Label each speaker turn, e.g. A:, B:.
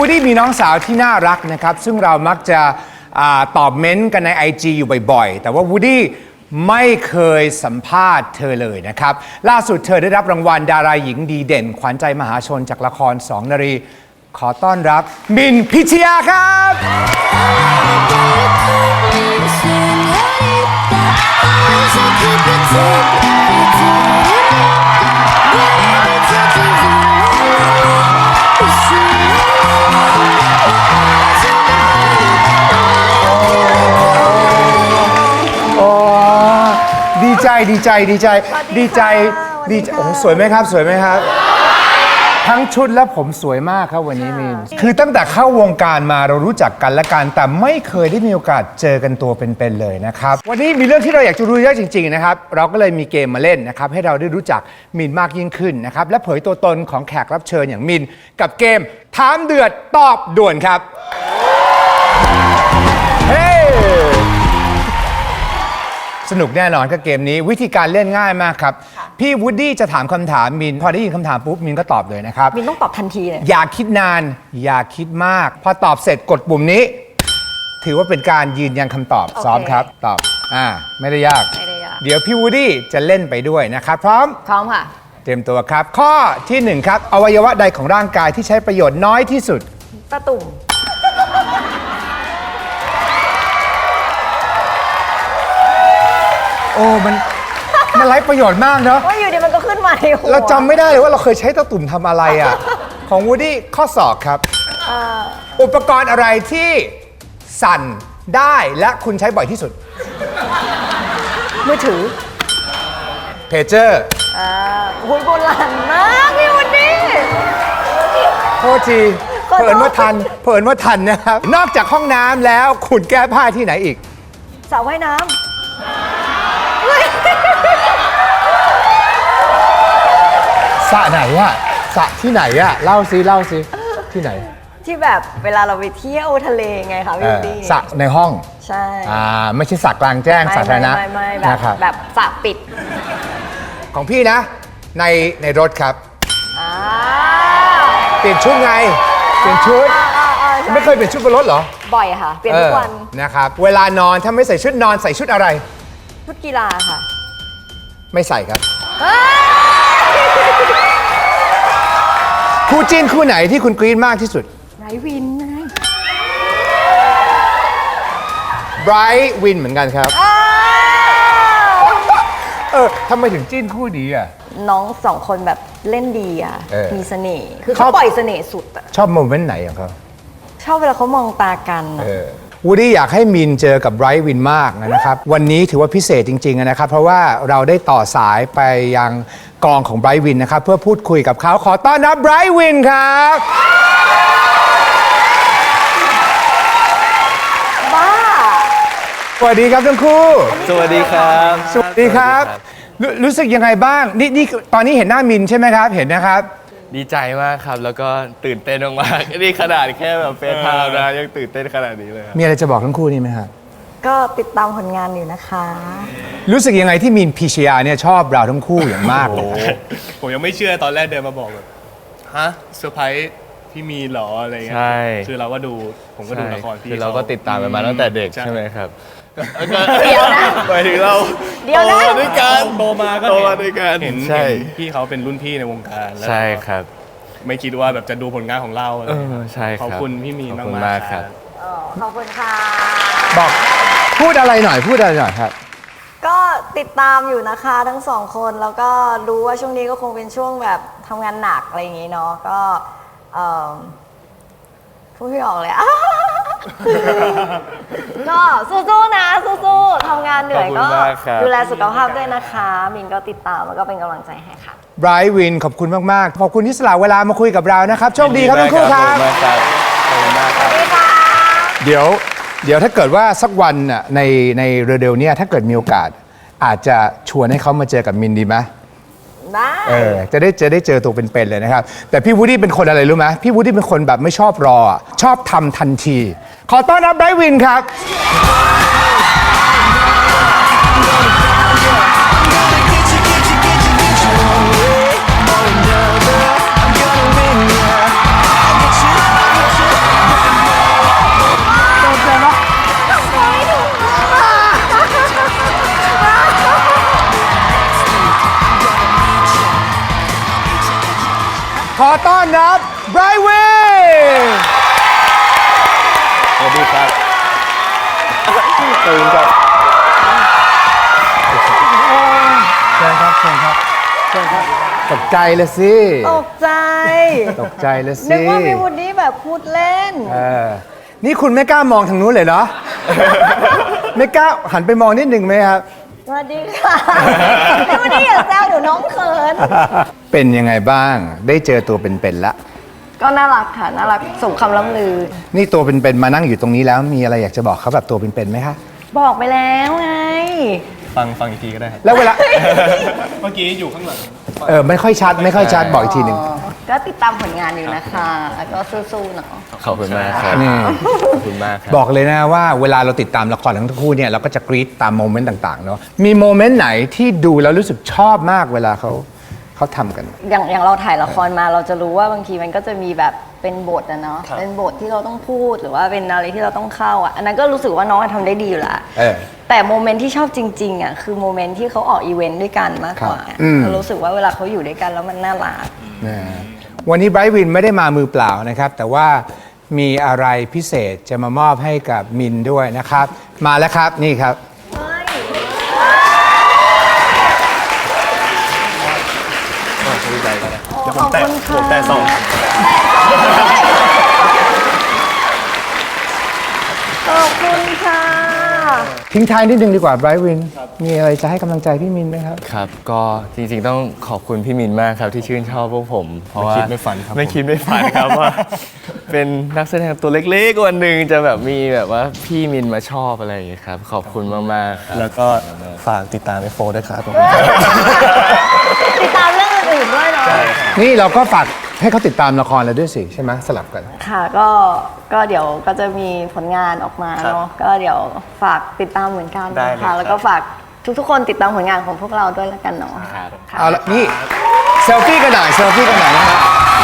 A: วูดดี้มีน้องสาวที่น่ารักนะครับซึ่งเรามักจะตอบเม้นต์กันใน IG อยู่บ่อยๆแต่ว่าวูดดี้ไม่เคยสัมภาษณ์เธอเลยนะครับล่าสุดเธอได้รับรางวัลดาราหญิงดีเด่นขวัญใจมหาชนจากละคร2 นารีขอต้อนรับมินพิชยาครับดีใจโอ้สวยไหมครับสวยไหมครับทั้งชุดและผมสวยมากครับวันนี้มินคือตั้งแต่เข้าวงการมาเรารู้จักกันและกันแต่ไม่เคยได้มีโอกาสเจอกันตัวเป็นๆเลยนะครับวันนี้มีเรื่องที่เราอยากจะรู้เยอะจริงๆนะครับเราก็เลยมีเกมมาเล่นนะครับให้เราได้รู้จักมินมากยิ่งขึ้นนะครับและเผยตัวตนของแขกรับเชิญอย่างมินกับเกมถามเดือดตอบด่วนครับเฮ้สนุกแน่นอนกับเกมนี้วิธีการเล่นง่ายมากครับพี่วูดดี้จะถามคำถามมินพอได้ยินคำถามปุ๊บมินก็ตอบเลยนะครับ
B: มินต้องตอบทันทีเลย
A: อย่าคิดนานอย่าคิดมากพอตอบเสร็จกดปุ่มนี้ถือว่าเป็นการยืนยันคำตอบซ้อมครับตอบไม่ได้ยากเดี๋ยวพี่วูดดี้จะเล่นไปด้วยนะครับพร้อม
B: ค่ะ
A: เตรียมตัวครับข้อที่1ครับอวัยวะใดของร่างกายที่ใช้ประโยชน์น้อยที่สุด
B: ตาตุ่ม
A: โอ้มันไร้ประโยชน์มากเนาะ
B: ว่าอยู่ดีมันก็ขึ้นมาในหัว
A: เราจำไม่ได้เลยว่าเราเคยใช้ตะตุ่มทำอะไรอ่ะ ของวูดดี้ข้อศอกครับอุปกรณ์อะไรที่สั่นได้และคุณใช้บ่อยที่สุด
B: มือถือ
A: เพจเจอร์
B: หุ่นโบราณมากพี่วูดดี้
A: โทษทีเผอิญว่าทันนะครับนอกจากห้องน้ำแล้วคุณแก้ผ้าที่ไหนอีก
B: สระว่ายน้ำ
A: สระไหนอะสระที่ไหนอะเล่าซิที่ไหน
B: ที่แบบเวลาเราไปเที่ยวทะเลไงคะพี่ดี้
A: สระในห้อง
B: ใช่
A: ไม่ใช่สระกลางแจ้งสาธารณะ
B: ไม่แบบสระปิด
A: ของพี่นะในรถครับเปลี่ยนชุดไงเปลี่ยนชุดไม่เคยเปลี่ยนชุดบนรถเหรอ
B: บ่อยค่ะเปลี่ยนทุกวัน
A: นะครับเวลานอนถ้าไม่ใส่ชุดนอนใส่ชุดอะไร
B: ชุดกีฬาค่ะ
A: ไม่ใส่ครับคู่จิ้นคู่ไหนที่คุณกรี๊ดมากที่สุด
B: ไบรท์วินไง
A: ไบรท์วินเหมือนกันครับทำไมถึงจิ้นคู่นี้อ่ะ
B: น้องสองคนแบบเล่นดีอ่ะมีเสน่ห์คือเขาปล่อยเสน่ห์สุดอ่ะ
A: ชอบโมเมนต์ไหนของเขา
B: ชอบเวลาเขามองตากัน
A: วูดดี้อยากให้มินเจอกับไบรท์วินมากนะครับวันนี้ถือว่าพิเศษจริงๆนะครับเพราะว่าเราได้ต่อสายไปยังกองของไบรท์วินนะครับเพื่อพูดคุยกับเขาขอต้อนรับไบรท์วินครับ
B: บ้า
A: สวัสดีครับทั้งคู่
C: สวัสดีครับ
A: สวัสดีครับรู้สึกยังไงบ้างนี่ตอนนี้เห็นหน้ามินใช่ไหมครับเห็นนะครับ
C: ดีใจมากครับแล้วก็ตื่นเต้นมากๆนี่ขนาดแค่แบบเฟซไทม์นะยังตื่นเต้นขนาดนี้เลย
A: มีอะไรจะบอกทั้งคู่นี่ไหมครับ
B: ก็ติดตามผลงานอยู่นะคะ
A: รู้สึกยังไงที่มินพิชยาเนี่ยชอบเราทั้งคู่อย่างมากเลย
C: ผมยังไม่เชื่อตอนแรกเดินมาบอกแบบฮะเซอร์ไพรส์พี่มีหรออะไรเงี้ยใช่คือเราก็ดูผมก็ดูละครพี่เราก็ติดตามมาตั้งแต่เด็กใช่ไหมครับ
B: เดี๋ยวนะ
C: หมายถึงเรา
B: เดี๋ยวนะ
C: ด้วยกันโตมาด้วยกันเห็นพี่เขาเป็นรุ่นพี่ในวงการ
D: ใช่ครับ
C: ไม่คิดว่าแบบจะดูผลงานของเรา
D: ใช่ครับ
C: ขอบคุณพี่มีมากๆครับ
B: ขอบคุณค่ะ
A: บอกพูดอะไรหน่อยครับ
B: ก็ติดตามอยู่นะคะทั้งสองคนแล้วก็รู้ว่าช่วงนี้ก็คงเป็นช่วงแบบทำงานหนักอะไรอย่างงี้เนาะก็พูดไม่ออกเลยก็สู้ๆนะสู้ๆทำงานเหนื่อยก็ดูแลสุขภาพด้วยนะคะมินก็ติดตามแล้วก็เป็นกำลังใจให้ค่ะ
A: ไบรท์วินขอบคุณมากๆขอบคุณที่สละเวลามาคุยกับเรานะครับโชคดีครับทั้งคู่ครับ
C: ขอบคุณมากครับ
A: เดี๋ยวถ้าเกิดว่าสักวันน่ะในเร็วๆนี้ถ้าเกิดมีโอกาสอาจจะชวนให้เขามาเจอกับมินดีไหมจะได้เจอตัวเป็นๆเลยนะครับแต่พี่วูดดี้เป็นคนอะไรรู้ไหมพี่วูดดี้เป็นคนแบบไม่ชอบรอชอบทำทันทีขอต้อนรับไบรท์วินครับต้อนรับไบรท์วิน
C: สวัสดีครับขอบคุณครับ
A: เชิญครับเชิญครับเชิญครับตกใจเลยสิ
B: ตกใจ
A: ตกใจเลยสิ
B: นึกว่าพี่วูดดี้แบบพูดเล่น
A: นี่คุณไม่กล้ามองทางนู้นเลยเหรอ ไม่กล้าหันไปมองนิดหนึ่งไหมครับ
B: สวัสดีค่ะพี่วูดดี้อย่าแซวเดี๋ยวน้องเขิน
A: เป็นยังไงบ้าง ได้เจอตัวเป็นๆละ
B: ก็น่ารักค่ะ น่ารักสมคำล่ำลือ
A: นี่ตัวเป็นๆมานั่งอยู่ตรงนี้แล้ว มีอะไรอยากจะบอกเขาแบบตัวเป็นๆไหมคะ
B: บอกไปแล้วไง
C: ฟังอีกทีก็ได้ครับ
A: แล้วเวลา
C: เมื่อกี้อยู่ข้างหลัง
A: ไม่ค่อยชัดไม่ค่อยชัดบอกอีกทีหนึ่ง
B: ก็ติดตามผลงานอยู่นะคะ แล้วก็สู้ๆเนาะ
C: ขอบคุณมากครับ
A: นี่
C: ขอบคุณมากครับ
A: บอกเลยนะว่าเวลาเราติดตามละครทั้งคู่เนี่ยเราก็จะกรี๊ดตามโมเมนต์ต่างๆเนาะมีโมเมนต์ไหนที่ดูแล้วรู้สึกชอบมากเวลาเขาทำกัน
B: อย่างเราถ่ายละครมาเราจะรู้ว่าบางทีมันก็จะมีแบบเป็นบทอะเนาะ
C: ครับ
B: เป็นบทที่เราต้องพูดหรือว่าเป็นอะไรที่เราต้องเข้าอะอันนั้นก็รู้สึกว่าน้องทำได้ดีอยู่ละ แต่โมเมนต์ที่ชอบจริงๆอะคือโมเมนต์ที่เขาออกอีเวนต์ด้วยกันมากกว่า
A: ครับ
B: เรารู้สึกว่าเวลาเขาอยู่ด้วยกันแล้วมันน่ารัก
A: นะวันนี้ไบรท์วินไม่ได้มามือเปล่านะครับ แต่ว่ามีอะไรพิเศษจะมามอบให้กับมินด้วยนะครับ มาแล้วครับนี่ครับ
C: ดีใจกันนะ
B: ขอบคุณค่ะ
C: แต่สอง
B: ขอบคุณค่ะ
A: ทิ้งท้ายนิดนึงดีกว่าไบรท์วิน มีอะไรจะให้กำลังใจพี่มินไหมครับ
D: ครับ ก็จริงๆต้องขอบคุณพี่มินมากครับที่ชื่นชอบพวกผม เพราะว่า
C: ไม่คิดไม่ฝันครับ
D: ไม่คิดไม่ฝันครับว่า เป็นนักแสดงตัวเล็กๆวันหนึ่งจะแบบมีแบบว่าพี่มินมาชอบอะไรอย่างเงี้ยครับ ขอบคุณมากๆครับ
C: แล้วก็ฝากติดตามF4ด้วยครับ
B: ติดตามเรื่องอื่นๆด้วยเนาะ
A: นี่เราก็ฝากให้เขาติดตามละครเราด้วยสิใช่ไหมสลับกัน
B: ค่ะก็เดี๋ยวก็จะมีผลงานออกมาเนาะก็เดี๋ยวฝากติดตามเหมือนกัน
C: ได้เลย
B: นะ
C: ครั
B: คะ
C: บ
B: แล้วก็ฝากทุกๆคนติดตามผลงานของพวกเราด้วยแล้วกันเนาะค่ะ
A: เอาละนี่เซลฟี่กันหน่อยเซลฟี่กันหน่อยนะครับ